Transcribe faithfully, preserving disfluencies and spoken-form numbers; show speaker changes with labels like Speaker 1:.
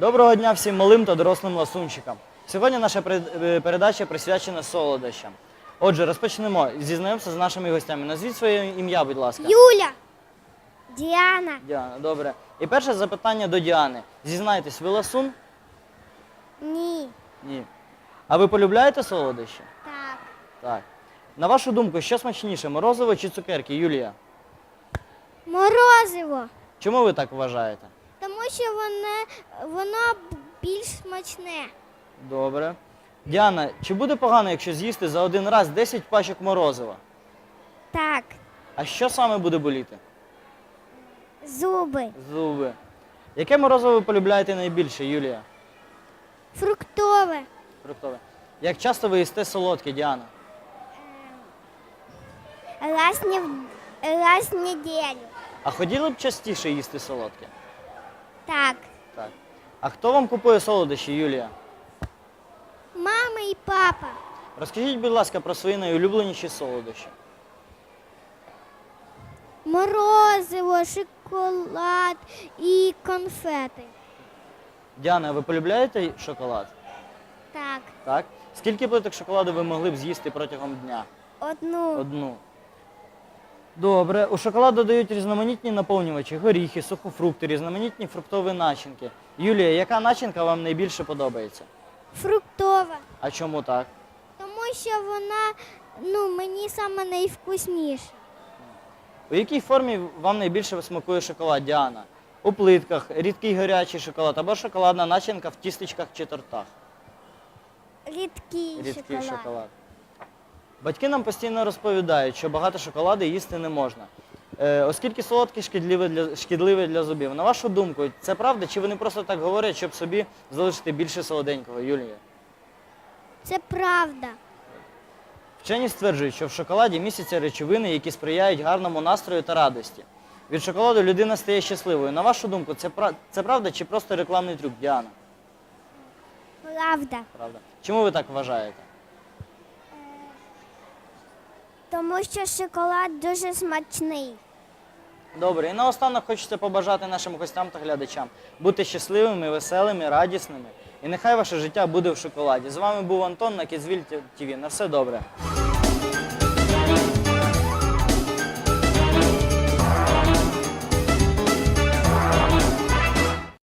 Speaker 1: Доброго дня всім малим та дорослим ласунчикам. Сьогодні наша передача присвячена солодощам. Отже, розпочнемо зі знайомства з нашими гостями. Назвіть своє ім'я, будь ласка.
Speaker 2: Юля. Діана.
Speaker 1: Діана, добре. І перше запитання до Діани. Зізнайтесь, ви ласун?
Speaker 2: Ні.
Speaker 1: Ні. А ви полюбляєте солодощі?
Speaker 2: Так.
Speaker 1: Так. На вашу думку, що смачніше, морозиво чи цукерки, Юлія?
Speaker 2: Морозиво.
Speaker 1: Чому ви так вважаєте?
Speaker 2: Тому що воно, воно більш смачне.
Speaker 1: Добре. Діана, чи буде погано, якщо з'їсти за один раз десять пачок морозива?
Speaker 2: Так.
Speaker 1: А що саме буде боліти?
Speaker 2: Зуби.
Speaker 1: Зуби. Яке морозиво ви полюбляєте найбільше, Юлія?
Speaker 2: Фруктове.
Speaker 1: Фруктове. Як часто ви їсте солодке, Діана?
Speaker 2: Раз, не, раз в неділю.
Speaker 1: А хотіли б частіше їсти солодке?
Speaker 2: Так.
Speaker 1: Так. А хто вам купує солодощі, Юлія?
Speaker 2: Мама і папа.
Speaker 1: Розкажіть, будь ласка, про свої найулюбленіші солодощі.
Speaker 2: Морозиво, шоколад і конфети.
Speaker 1: Діана, ви полюбляєте шоколад?
Speaker 2: Так.
Speaker 1: Так. Скільки плиток шоколаду ви могли б з'їсти протягом дня?
Speaker 2: Одну.
Speaker 1: Одну. Добре. У шоколад додають різноманітні наповнювачі, горіхи, сухофрукти, різноманітні фруктові начинки. Юлія, яка начинка вам найбільше подобається?
Speaker 2: Фруктова.
Speaker 1: А чому так?
Speaker 2: Тому що вона, ну, мені саме найвкусніша.
Speaker 1: У якій формі вам найбільше смакує шоколад, Діана? У плитках, рідкий гарячий шоколад або шоколадна начинка в тістечках чи тортах?
Speaker 2: Рідкий,
Speaker 1: Рідкий
Speaker 2: шоколад.
Speaker 1: шоколад. Батьки нам постійно розповідають, що багато шоколаду їсти не можна, е, оскільки солодке шкідливе для, шкідливе для зубів. На вашу думку, це правда, чи вони просто так говорять, щоб собі залишити більше солоденького, Юлія?
Speaker 2: Це правда.
Speaker 1: Вчені стверджують, що в шоколаді містяться речовини, які сприяють гарному настрою та радості. Від шоколаду людина стає щасливою. На вашу думку, це, це правда чи просто рекламний трюк, Діана?
Speaker 2: Правда.
Speaker 1: Правда. Чому ви так вважаєте?
Speaker 2: Тому що шоколад дуже смачний.
Speaker 1: Добре, і наостанок хочеться побажати нашим гостям та глядачам бути щасливими, веселими, радісними. І нехай ваше життя буде в шоколаді. З вами був Антон на Kidsville ті ві. На все добре.